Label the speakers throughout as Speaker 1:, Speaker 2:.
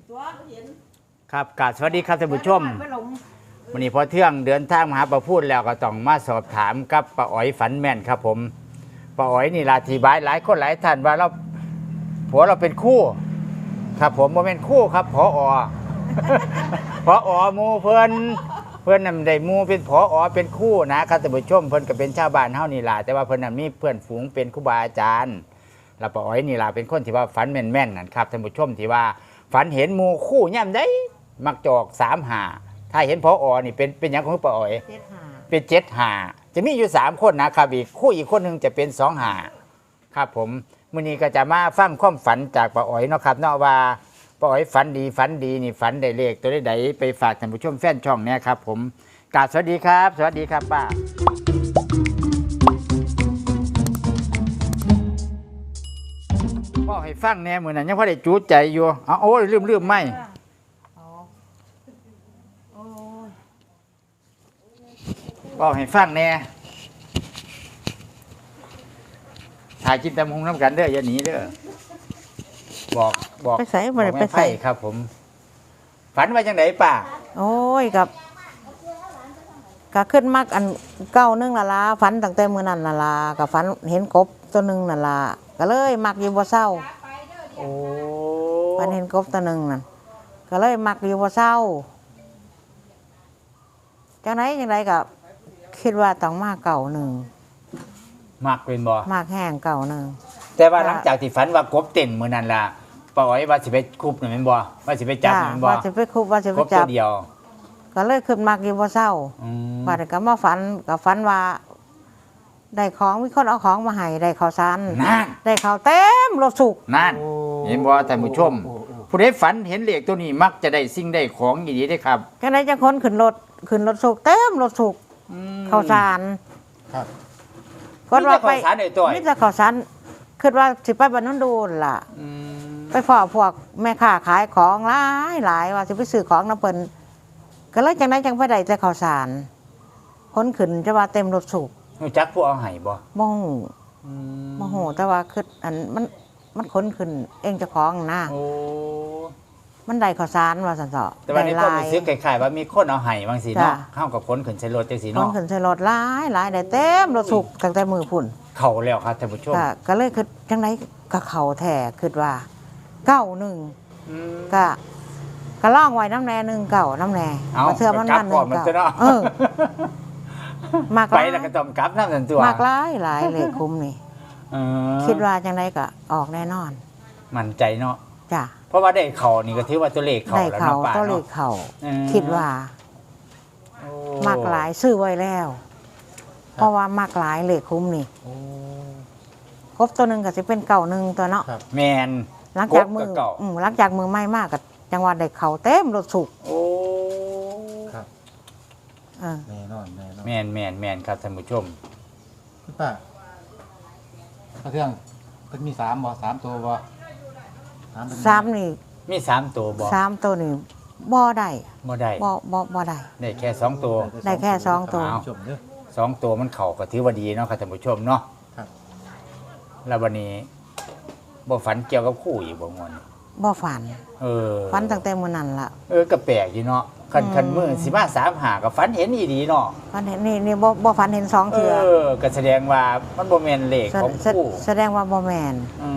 Speaker 1: ครับกราบสวัสดีครับท่านผู้ชมวันนี้พอเที่ยงเดินทางมาหาป้าพูดแล้วก็ต้องมาสอบถามกับป้าอ๋อยฝันแม่นครับผมป้าอ๋อยนี่ลาทีบายหลายคนหลายท่านว่าเราผัวเราเป็นคู่ครับผมบ่เป็นคู่ครับผอ ผอหมู่เพิ่นนำได้หมู่เป็นผอเป็นคู่นะครับท่านผู้ชมเพิ่นก็เป็นชาวบ้านเฮานี่ล่ะแต่ว่าเพิ่นน่ะมีเพื่อนฝูงเป็นครูบาอาจารย์แล้วป้าอ๋อยนี่ล่ะเป็นคนที่ว่าฝันแม่นๆนั่นครับท่านผู้ชมที่ว่าฝันเห็นหมู่คู่ย่ำได้มักจอก3-5ถ้าเห็นผอนี่เป็นหยังของป้าอ๋อยเป็น7-5จะมีอยู่3คนนะครับอีกคู่อีกคนนึงจะเป็น2-5ครับผมมื้อนี้ก็จะมาฟังความฝันจากป้าอ๋อยเนาะครับเนาะว่าป้าอ๋อยฝันดีนี่ฝันได้เลขตัวใดไปฝากท่านผู้ชมแฟนช่องเนี่ยครับผมกราบสวัสดีครับสวัสดีครับป้าบอกให้ฟังแน่มื้อนั้นยังพอได้จูดใจอยู่เอาโอ้ยลืมไม่บอกให้ฟังแน่ถ่ายกินตำหงน้ำกันเด้ออย่าหนีเด้อบอก
Speaker 2: ไปใส่บ่ได้ไปใส่
Speaker 1: ครับผมฝันว่าจังไดป้า
Speaker 2: โอ้ยก็ขึ้นมักอันเก้านึงละลาฝันตั้งแต่มื้อนั้นละลาก็ฝันเห็นกบตัวนึงละลาก็เลยมักอยู่บ่เศร้า
Speaker 1: โอ้
Speaker 2: ฝันเห็นกบตัวนึงนั่นก็เลยมักอยู่บ่เศร้าจังไดก็คิดว่าต้องมาเก่านึง
Speaker 1: มักเป็นบ่
Speaker 2: มักแห้งเก่านึง
Speaker 1: แต่ว่าหลังจากที่ฝันว่ากบเต้นมื้อนั้นล่ะป้าอ๋อยว่าสิไปคุบนั่นแม่นบ่ว่าสิไปจับนั่นบ่
Speaker 2: ว่าสิไปคุบว่าสิไปจับ
Speaker 1: ตัวเดียว
Speaker 2: ก็เลยขึ้นมักอยู่บ่เศร้าบัดก็มาฝันก็ฝันว่าได้ของมีคนเอาของมาให้ได้ข้าวสารได้ข้าวเต็มรถสุก
Speaker 1: นั่นเห็นบ่ท่านผู้ชมผู้ใดฝันเห็นเลขตัวนี้มักจะได้สิ่งได้ของดีๆได้ครับ
Speaker 2: จังได๋จังคนขึ้นรถสุกเต็มรถสุกข้าวสาร
Speaker 1: ครับ
Speaker 2: คนว่าไปมีแต่ข้าวสารคิดว่าสิไปบ้านนนดูล่ะไปพ้อพวกแม่ค้าขายของหลายว่าสิไปซื้อของนำเพิ่นก็เลยจังได๋จังไปได้แต่ข้าวสารคนขึ้นจะว่าเต็มรถสุก
Speaker 1: รู้จักผู้เอาให้บ่
Speaker 2: บ่ฮู้แต่ว่าคืออันมันขนขึ้นเองเจ้าของนะ
Speaker 1: โอ้
Speaker 2: มันได้ข้าวสารว่าซั่นเถาะ
Speaker 1: แต่ว่าในความรู้สึกคล้ายๆว่ามีคนเอาให้บางสิเนาะเฮาก็ขนขึ้นใส่รถจังซี่
Speaker 2: ขน
Speaker 1: เนาะ
Speaker 2: ขึ้นใส่รถหลายได้เต็มรถสุกตั้งแต่มื้อพุ่น
Speaker 1: เข้าแล้วครับท่านผู้ชม
Speaker 2: ก็เลยคือจังได๋ก็เข้าแท้คิดว่า91ก็ล่องไว้น้ำแน่1 9น้ำแน่บ่เทื่อมัน1 9มาก
Speaker 1: ไปแล้วก็ต้องกลับนำซั่นตัว
Speaker 2: มากหลายเลขคุ้มนี่คิดว่าจังได๋ก็ออกแน่นอน
Speaker 1: มั่นใจเนาะ
Speaker 2: จ้ะ
Speaker 1: เพราะว่าได้เข้านี่ก็ถือว่าตัวเลขเข้าแล้วเนาะป้าเนาะ
Speaker 2: ตัวเลขเข้าคิดว่ามากหลายซื้อไว้แล้วเพราะว่ามากหลายเลขคุ้มนี่ครบตัวนึงก็สิเป็น91ตัวเนาะ
Speaker 1: แม่น
Speaker 2: หลังจากมือใหม่มากก็จังหวัดได้เข้าเต็มรถสุก
Speaker 1: โอ้
Speaker 3: ครับแน่นอน
Speaker 1: แม่นครับท่านผู้ชม
Speaker 3: คุณป้าเรื่องเพิ่นมี3บ่3ตัวบ่
Speaker 2: 3นี่
Speaker 1: มี3ตัวบ่
Speaker 2: 3ตัวนี่บ่ได้
Speaker 1: บ่ได้แค่2ตัว
Speaker 2: ได้แค่2ตัว
Speaker 1: 2ตัวมันเข้าก็ถือว่าดีเนาะครับท่านผู้ชมเนาะ
Speaker 3: ครับ
Speaker 1: แล้ววันนี้บ่ฝันเกี่ยวกับคู่อีกบ่ม่วน
Speaker 2: บ่ฝันฝันตั้งแต่มื้อนั้นล่ะ
Speaker 1: ก็แปลกอยู่เนาะคันมื้อสิมา3-5ก็ฝันเห็นอีดีเนาะ
Speaker 2: ฝันเห็นนี่บ่ฝันเห็น2เทื่อ
Speaker 1: ก็แสดงว่ามันบ่แม่นเลขของคู่
Speaker 2: แสดงว่าบ่แม่น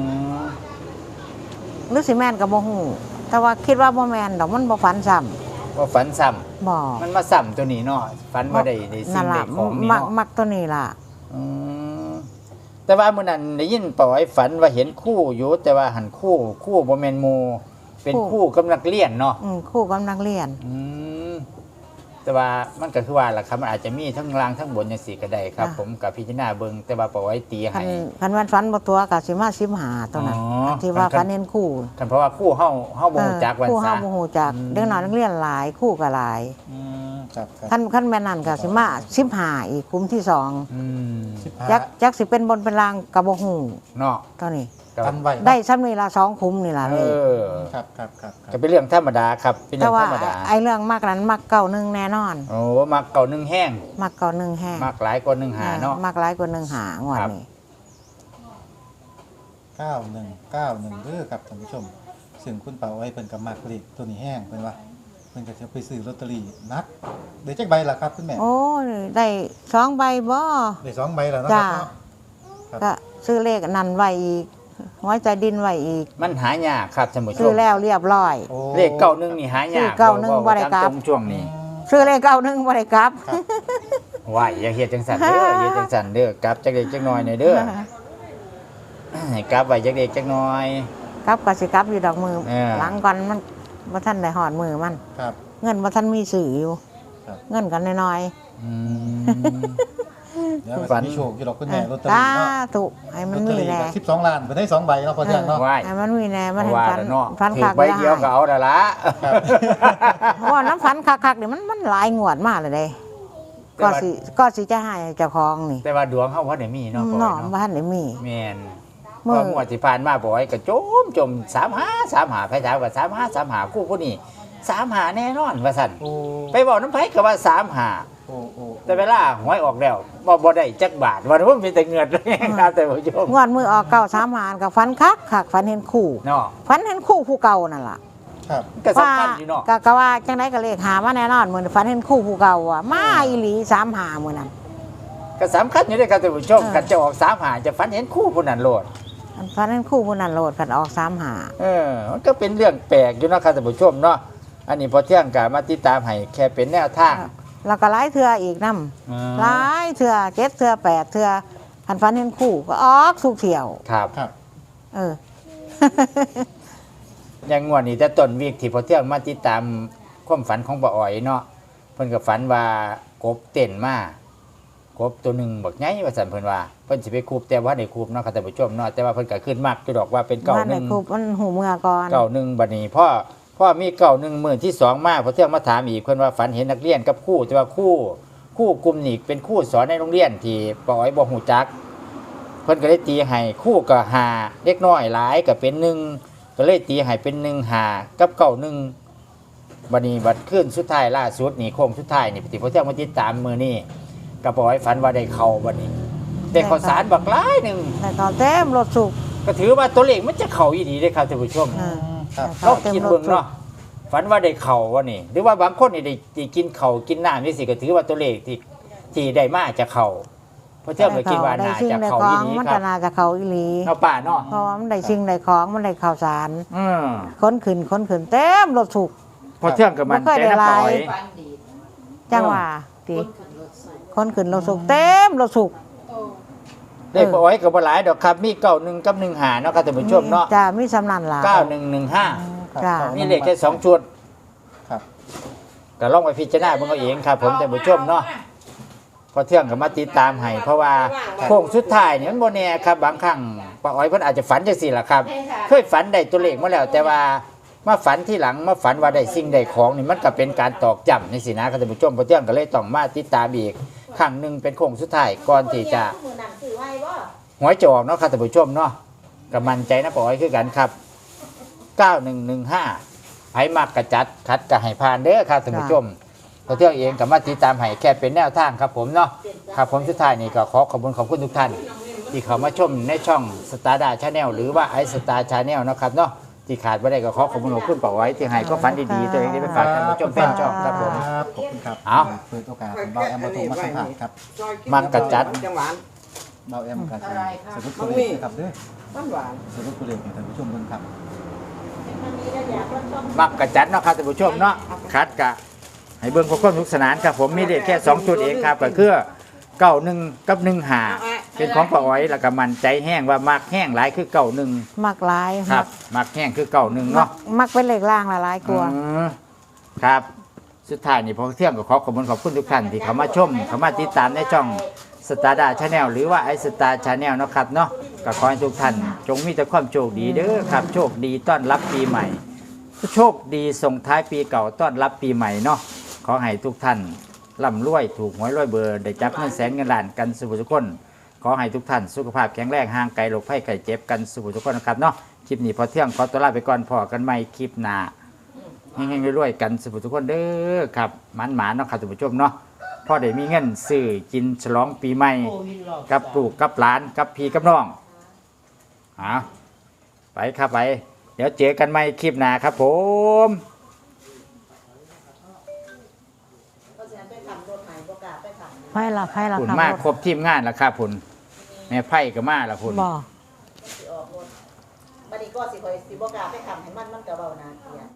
Speaker 2: หรือสิแม่นก็บ่ฮู้แต่ว่าคิดว่าบ่แม่นดอกมันบ่ฝันซ้ำบ่
Speaker 1: มันมาซ้ำตัวนี้เนาะฝันบ่ได้สิ่งได้ของนี่เนาะ
Speaker 2: มักตัวนี้ล่ะ
Speaker 1: แต่ว่ามื้อนั้นได้ยินป้าอ้อยฝันว่าเห็นคู่อยู่แต่ว่าหันคู่บ่แม่นหมู่เป็นคู่กำลังเรียนเนาะ
Speaker 2: คู่กำลังเรียน
Speaker 1: แต่ว่ามันก็คือว่าล่ะครับมันอาจจะมีทั้งล่างทั้งบนจังซี่ก็ได้ครับผมกับพิจารณาเบิ่งแต่ว่าป้าอ้อยตีให้
Speaker 2: คันวันฝันบ่ตัวก็สิมา15ตัวนั้นที่ว่าฝันเห็นคู่
Speaker 1: คันเพราะว่าคู่เฮาบ่ฮู้จักวันซะ
Speaker 2: คู่เฮาบ่ฮู้จักเด็กน้อยนักเรียนหลายคู่ก็หลายคันแม่นนั่นก็สิมา15อีกคุ้มที่2จักสิเป็นบนเป็นล่างก็บ่ฮู้
Speaker 1: เนาะ
Speaker 2: เท่านี้
Speaker 3: ได้
Speaker 2: ซ้ำนี่ละ2คุ้มนี่ล่ะเลย
Speaker 3: ครับ
Speaker 1: ก็เป็นเรื่องธรรมดาครับเป็นเรื่องธรรมดา
Speaker 2: ไอ้เรื่องมักนั้นมัก91แน่นอน
Speaker 1: โอ้มัก91แห้ง
Speaker 2: มัก91แห้ง
Speaker 1: มักหลายกว่า1-5เนาะ
Speaker 2: มักหลายกว่า1-5งวดนี้
Speaker 3: 9191เด้อครับท่านผู้ชมซึ่งคุณป้าอ้อยเพิ่นก็มักเลขตัวนี้แห้งเพิ่นว่าเพิ่นก็จะไปซื้อลอตเตอรี่นักได้จักใบล่ะครับคุณแม่
Speaker 2: โอ้ยได้2 ใบบ่
Speaker 3: ได้2ใบแล้วเนาะ
Speaker 2: จ้า
Speaker 3: ครับเนาะ
Speaker 2: ก็ซื้อเลขนั่นไว้อีกไว้ใจดินไว้อีก
Speaker 1: มันหายากครับท่านผู้ช
Speaker 2: ซื้อ
Speaker 1: ม
Speaker 2: แล้วเรียบร้อย
Speaker 3: โอ้
Speaker 1: เลขเก้าหนึ่งนี่หายาก
Speaker 2: ซื้อเก้าหนึ่งบ่ได้กลับ
Speaker 1: ตามช่วงนี้
Speaker 2: ซื้อเลข91บ่ได้กลับ
Speaker 1: ว่าอย่าเฮ็ดจังสันเด้ออย่าจังสันเด้อกลับจักเล็กจักน้อยหน่อยเด้อให้กลับไว้จักเล็กจักน้อย
Speaker 2: กลับก็สิกลับอยู่ดอกมือ
Speaker 1: เออ
Speaker 2: หลังก่อนมันบ่ทันได้หอดมือมัน
Speaker 3: ครับ
Speaker 2: เงินบ่ทันมีสื่ออยู่
Speaker 3: ครับ
Speaker 2: เงินกันน้อย
Speaker 1: อืม
Speaker 3: เดี๋ยว
Speaker 1: ฝั
Speaker 3: ฝั
Speaker 1: น
Speaker 3: นมีโชคอยู่ดอกคุณ
Speaker 2: ๆ
Speaker 3: แม่ลอตเตอ
Speaker 2: สา
Speaker 3: รี่เนาะ
Speaker 2: ธุให้มัน
Speaker 3: ลอตเตอ
Speaker 2: มี
Speaker 3: รี่
Speaker 2: แน่
Speaker 3: ก็12ล้านเพิ่นได้2ใบเนาะพอเที่ยงเนาะ
Speaker 1: ไหว้
Speaker 2: ให้มันมีแน่มันให้
Speaker 1: ว่า
Speaker 2: ฟัน
Speaker 1: แล้วเนาะ
Speaker 2: ฟัน
Speaker 1: ถื
Speaker 2: คั
Speaker 1: อก ใบเดียวก็เอาแล้วละ
Speaker 3: ครับ
Speaker 2: เพราะว่าน้ำฟันคักๆนี่มันหลายงวดมากเลยเด้ก็สิจะให้เจ้าของนี่
Speaker 1: แต่ว่าดวงเฮาบ่ได้มีเนาะปอย
Speaker 2: เนาะบ่
Speaker 1: เนาะ
Speaker 2: ทันได้มี
Speaker 1: แม่น
Speaker 2: มื้อ
Speaker 1: ว่างวดที่ผ่านมาบ่อยก็จม35ไผถามว่า35คู่ผู้นี้35แน่นอนว่าซั่น
Speaker 3: โอ้
Speaker 1: ไปบอกน้ำไผก็ว่า35
Speaker 3: โอ้โอ้
Speaker 1: แต่เวลาหวยออกแล้วบ่ได้จักบาทวันว่ามีแต่เงินเลยครับแต่ผู้ชม
Speaker 2: งวดมือออก9 3 หารกับฟันคักฝันเห็นคู่
Speaker 1: เนาะ
Speaker 2: ฝันเห็นคู่ผู้เก่านั่นล่ะ
Speaker 3: ครับ
Speaker 1: ก็สำคัญอยู่เนาะ
Speaker 2: ก็ว่าจังไดก็เลขหามาแน่นอนมื้อนี้ฝันเห็นคู่ผู้เก่าอ่ะมาอีหลี3 หามื้อนั้น
Speaker 1: ก็สำคัญอยู่ด้วยครับท่านผู้ชม
Speaker 2: เออ
Speaker 1: กันจะออก35จะฝันเห็นคู่ผู้นั้นโลด
Speaker 2: ฝันเห็นคู่ผู้นั้นโลดฝันออก3 หา
Speaker 1: มันก็เป็นเรื่องแปลกอยู่เนาะครับท่านผู้ชมเนาะอันนี้พอเที่ยงกะมาติดตามให้แค่เป็นแนวทาง
Speaker 2: แล้วก็หลายเทื่ออีกนำ
Speaker 1: อืม
Speaker 2: หลายเทื่อ7 เทื่อ 8 เทื่อฝันเห็นคู่ก็ออกสุกเที่ยว
Speaker 1: ครับ
Speaker 3: ครับ
Speaker 2: เออ
Speaker 1: อย่างงวดนี้แต่ต้นวีคที่พอเที่ยงมาติดตามความฝันของป้าอ๋อยเนาะเพิ่นก็ฝันว่ากบเต้นมากบตัวหนึงบักใหญ่ว่าซั่นเพิ่นว่าเพิ่นสิไปคูบแต่ว่าได้คูบเนาะครับท่านผู้ชมเนาะแต่ว่าเพิ่นก็ขึ้นมากคือดอกว่าเป็นเก่า
Speaker 2: บ้าน
Speaker 1: ห
Speaker 2: ใน
Speaker 1: นึ่ง
Speaker 2: ครูมันหูเมื่อก่อน
Speaker 1: เก่าหนึ่งบัดนี้พ่อมีเก่าหนึ่งมื้อที่สองมาพอเที่ยงมาถามอีกเพิ่นว่าฝันเห็นนักเรียนกับครูแต่ว่าครูกลุ่มนี้เป็นครูสอนในโรงเรียนที่ป้าอ๋อยบ่ฮู้จัก เพิ่นก็เลยตีให้คู่ก็หาเล็กน้อยหลายก็เป็นหนึ่งก็เลยตีให้เป็น1 5กับเก่า1บัดนี้บัดขึ้นสุดท้ายล่าสุดนี่โค้งสุดท้ายนี่ปฏิพอเที่ยงมาติดตามมื้อนี้ก็บ่ให้ฝันว่าได้เข้าบัดนี้ได้ข้าวสารบักหลายหนึง
Speaker 2: แต่ตอนเต็มรถสุก
Speaker 1: ก็ถือว่าตัวเลขมันจะเข้าอีหลีเด้อครับท่านผู้ชม
Speaker 3: ครับ
Speaker 1: เราคิดเบิ่งเนาะฝันว่าได้เข้าว่านี่หรือว่าบางคนนี่ได้กินข้าวกินน้ำนี่สิก็ถือว่าตัวเลขที่ได้มาจะเข้าเพราะเจ้าก็คิดว่าน่าจะเข้าอีหลี
Speaker 2: มัน
Speaker 1: ครั
Speaker 2: ก็
Speaker 1: บ
Speaker 2: น่าจะเขาอีหลี
Speaker 1: เนาะป้าเนาะ
Speaker 2: เพราะว่ามันได้สิ่งได้ของมันได้ข่าวสาร
Speaker 1: อืม
Speaker 2: ค้นขึ้นเต็มรถสุก
Speaker 1: พอเที่ยงกับมัน
Speaker 2: บ่เคย
Speaker 1: ใจ
Speaker 2: ได้
Speaker 1: น้ำปล่อย
Speaker 2: หลาย จังว่าติค้นขึ้นรถสุกเต็มรถสุก
Speaker 1: เลขปล่อยกับบ่หลายดอกครับมี91กับ15เนาะครับท่านผู้ชมเนาะ
Speaker 2: จ้ามีสำนันล่ะ
Speaker 1: 9115
Speaker 2: จ้า
Speaker 1: มีเลขแค่2ชุด
Speaker 3: ครับ
Speaker 1: ก็ลองไปพิจารณาเบิ่งเอาเองครับผมท่านผู้ชมเนาะพอเที่ยงก็มาติดตามให้เพราะว่าโค้งสุดท้ายนี่มันบ่แน่ครับบางครั้งป้าอ้อยเพิ่นอาจจะฝันจังซี่ล่ะครับ เคยฝันได้ตัวเลขมาแล้ว แต่ว่ามาฝันที่หลังมาฝันว่าได้สิ่งได้ของนี่มันก็เป็นการตอกย้ำนี่สินะครับท่านผู้ชมพอเที่ยงก็เลยต้องมาติดตามอีกครั้งหนึงเป็นโค้งสุดท้ายก่อนที่จะหวยจะออกเนาะครับท่านผู้ชมเนาะก็มั่นใจนะป้าอ้อยคือกันครับ9115ไผมักกระจัดคัดก็ให้ผ่านเด้อครับท่านผู้ชมพอเที่ยงเองก็มาติดตามให้แค่เป็นแนวทางครับผมเนาะครับผมสุดท้ายนี่ก็ขอขอบคุณทุกท่าน ที่เขามาชมในช่องสตาร์ดาชาแนลหรือว่าไอสตาร์ชาแนลนะครับเนาะที่ขาดไม่ได้ก็ขอขอบคุณป้าอ้อยที่ให้ก็ฝันดีๆตัวเองได้ไปฝากท่านผู้ชมแฟนช่องครับผม
Speaker 3: ครับขอบคุณครับ
Speaker 1: เอา
Speaker 3: เปิดโอกาสให้เบาแอมมาถูกมาสัมผัสครับ
Speaker 1: มักกระจัด
Speaker 4: จังหวาน
Speaker 3: เบาแอมกันสรุปตัวเลขนะครับเด้อ
Speaker 4: หวาน
Speaker 3: สรุปตัวเลขให้ท่านผู้ชมเบิ่งครับ
Speaker 1: มักกระจัดเนาะครับท่านผู้ชมเนาะคัดกะให้เบิ่งความสนุกสนานครับผมมีเลขแค่2จุดเองครับก็คือ91กับ15เป็นของป้าอ้อยแล้วก็มันใจแห้งว่ามักแห้งหลายคือ91
Speaker 2: มักหลาย
Speaker 1: ครับมักแห้งคือ91
Speaker 2: มั
Speaker 1: เนาะ
Speaker 2: กมักเป็นเลขล่างละหลายกลัวา
Speaker 1: อืมครับสุดท้ายนี่พอเที่ยงก็ขอขอบคุณทุกท่านที่เข้ามาชมเข้ามาติดตามในช่องสตาร์ดาชาแนลหรือว่าไอสตาร์ชาแนลนาะครับเนาะก็ขอให้ทุกท่านจงมีแต่ความโชคดีเด้อครับโชคดีต้อนรับปีใหม่ โชคดีส่งท้ายปีเก่าต้อนรับปีใหม่เนาะขอให้ทุกท่านร่ำรวยถูกหวยรวยเบอร์ได้จับเงินแสนเงินล้านกันสุขทุกคนขอให้ทุกท่านสุขภาพแข็งแรงห่างไกลโรคภัยไข้เจ็บกันสุขทุกคนนะครับเนาะคลิปนี้พอเที่ยงขอตัวลาไปก่อนพอกันใหม่คลิปหน้าเฮงๆรวยๆกันสุขทุกคนเด้อครับหมานๆเนาะครับท่านผู้ชมเนาะพอได้มีเงินซื้อกินฉลองปีใหม่กับลูกกับหลานกับพี่กับน้องไปครับไปเดี๋ยวเจอกันใหม่คลิปหน้าครับผม
Speaker 2: ไพ่ละ
Speaker 1: คุณ
Speaker 2: ครับ
Speaker 1: มากครบทีมงานแล้วครับคุณแม่ไพ่ก็มาแล้วคุณ
Speaker 2: บ่
Speaker 4: บัดนี้ก็สิคอยสิบ่กล้าไปทำให้มันก็เว้านาเกลียด